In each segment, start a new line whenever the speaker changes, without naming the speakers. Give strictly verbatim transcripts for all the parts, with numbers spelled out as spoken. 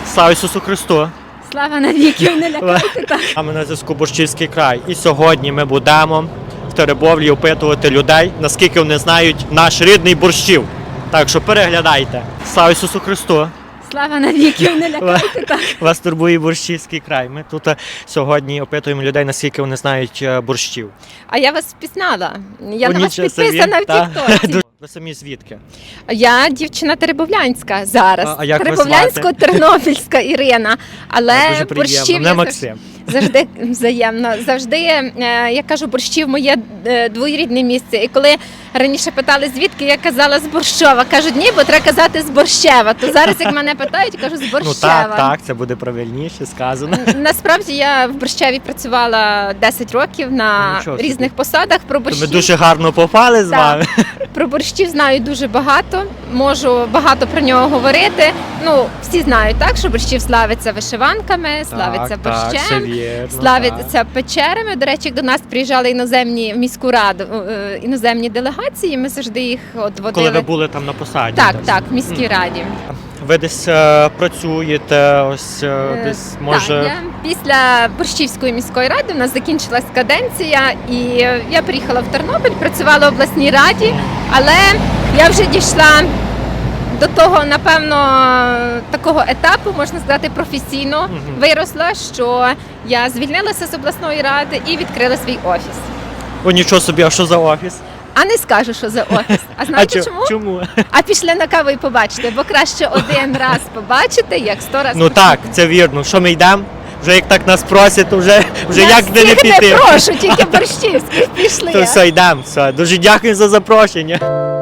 Слава Ісусу Христу!
Слава навіки, не лякайте так.
А ми на зв'язку Борщівський край. І сьогодні ми будемо в Теребовлі опитувати людей, наскільки вони знають наш рідний Борщів. Так що переглядайте. Слава Ісусу Христу!
Слава навіки, не лякайте так.
Вас турбує Борщівський край. Ми тут е, сьогодні опитуємо людей, наскільки вони знають е, борщів.
А я вас впізнала. Я
О,
на вас
нічого собі.
підписана в
Та.
Тіктоці.
Ви самі звідки?
Я дівчина теребовлянська зараз.
А- а як вас
Теребовлянсько-тернопільська Ірина. Але
Дуже приємно.
борщів
Мене
я
Максим.
завжди взаємно. Завжди, е, я кажу, борщів моє е, двоюрідне місце. І коли раніше питали, звідки, я казала з Борщова. Кажуть, ні, бо треба казати з Борщева. То зараз, як мене питають, кажу з Борщева.
Ну так, так, це буде правильніше сказано.
Насправді я в Борщеві працювала десять років на
Нічого собі.
різних посадах. Про
То ми
борщів,
дуже гарно попали з
Так.
вами.
про борщів знаю дуже багато, можу багато про нього говорити. Ну, всі знають, так, що борщів славиться вишиванками, славиться
Так, так,
борщем,
все вірно, так.
славиться печерами. До речі, як до нас приїжджали іноземні в міську раду, е, іноземні делегації, ми завжди їх от водили.
Коли ви були там на посаді.
Так, так, в міській раді.
Ви десь е, працюєте, ось е,
Е,
десь може.
Так, я після Борщівської міської ради у нас закінчилась каденція, і я приїхала в Тернопіль, працювала в обласній раді, але я вже дійшла до того, напевно, такого етапу, можна сказати, професійно
Мгм.
виросла, що я звільнилася з обласної ради і відкрила свій офіс.
О, нічого собі, а що за офіс?
А не скажу, що за офіс. А знаєте
а чо-
чому?
чому?
А пішли на каву і побачите, бо краще один раз побачити, як сто разів.
Ну так, це вірно. Що ми йдемо? Вже як так нас просять, то вже, вже
Я
як де не
всіх
піти.
прошу, тільки борщівських пішли.
То все, йдемо. Все. Дуже дякую за запрошення.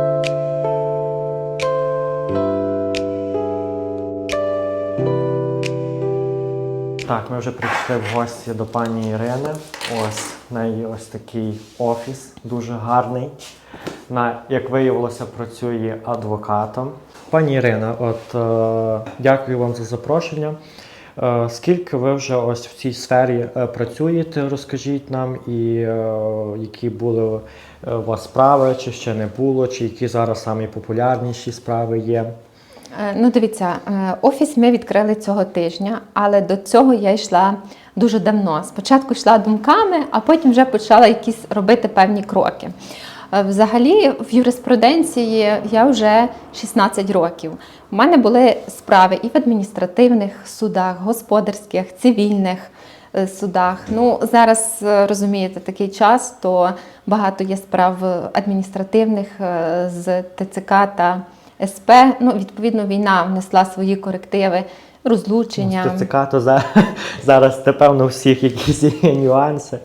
Так, ми вже прийшли в гості до пані Ірини. Ось в неї ось такий офіс, дуже гарний. На, як виявилося, працює адвокатом. Пані Ірина, от е, дякую вам за запрошення. Е, скільки ви вже ось в цій сфері е, працюєте, розкажіть нам, і е, які були е, у вас справи, чи ще не було, чи які зараз самі популярніші справи є?
Е, Ну, дивіться, е, офіс ми відкрили цього тижня, але до цього я йшла дуже давно. Спочатку йшла думками, а потім вже почала якісь робити певні кроки. Е, Взагалі, в юриспруденції я вже шістнадцять років. У мене були справи і в адміністративних судах, господарських, цивільних е, судах. Ну, зараз, е, розумієте, такий час, то багато є справ адміністративних е, з ТЦК та ес пе. Ну, відповідно, війна внесла свої корективи, розлучення.
З ТЦК, то за, зараз, напевно, у всіх якісь є нюанси.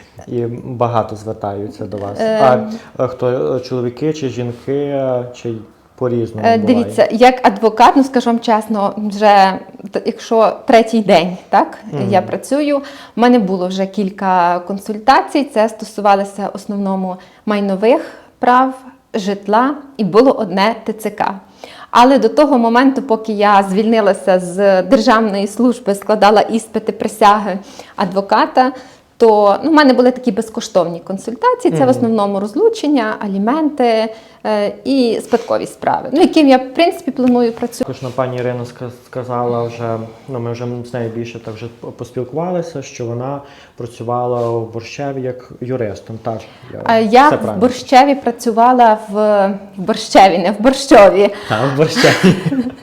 І багато звертаються до вас.
Е,
А, а хто, чоловіки чи жінки, чи по-різному
Е,
буває?
Дивіться, як адвокат, ну скажу вам чесно, вже т- якщо третій день, так,
Мгм.
я працюю, в мене було вже кілька консультацій, це стосувалося в основному майнових прав, житла і було одне ТЦК. Але до того моменту, поки я звільнилася з державної служби, складала іспити присяги адвоката, то ну, в мене були такі безкоштовні консультації. Це
Мгм.
в основному розлучення, аліменти е, і спадкові справи, ну, яким я, в принципі, планую працювати.
Також нам пані Ірина ска- сказала вже, ну ми вже з нею більше так вже поспілкувалися, що вона працювала в Борщеві як юристом. Так, я,
Е, Я
все
в
правильно.
Борщеві працювала в, в Борщеві, не в Борщові,
Так, в Борщеві.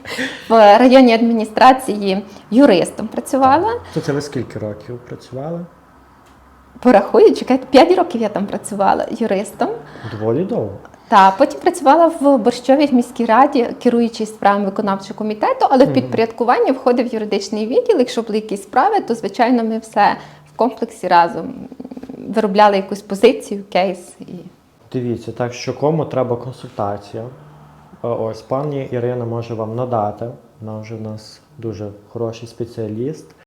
в районній адміністрації юристом працювала.
То це ви скільки років працювали?
Порахую, чекайте, п'ять років я там працювала юристом.
Доволі довго.
Та потім працювала в Борщові в міській раді, керуючи справами виконавчого комітету, але в підпорядкування входив юридичний відділ. Якщо були якісь справи, то звичайно ми все в комплексі разом виробляли якусь позицію, кейс. І...
Дивіться, так що кому треба консультація, е, ось пані Ірина може вам надати. Вона вже в нас дуже хороший спеціаліст.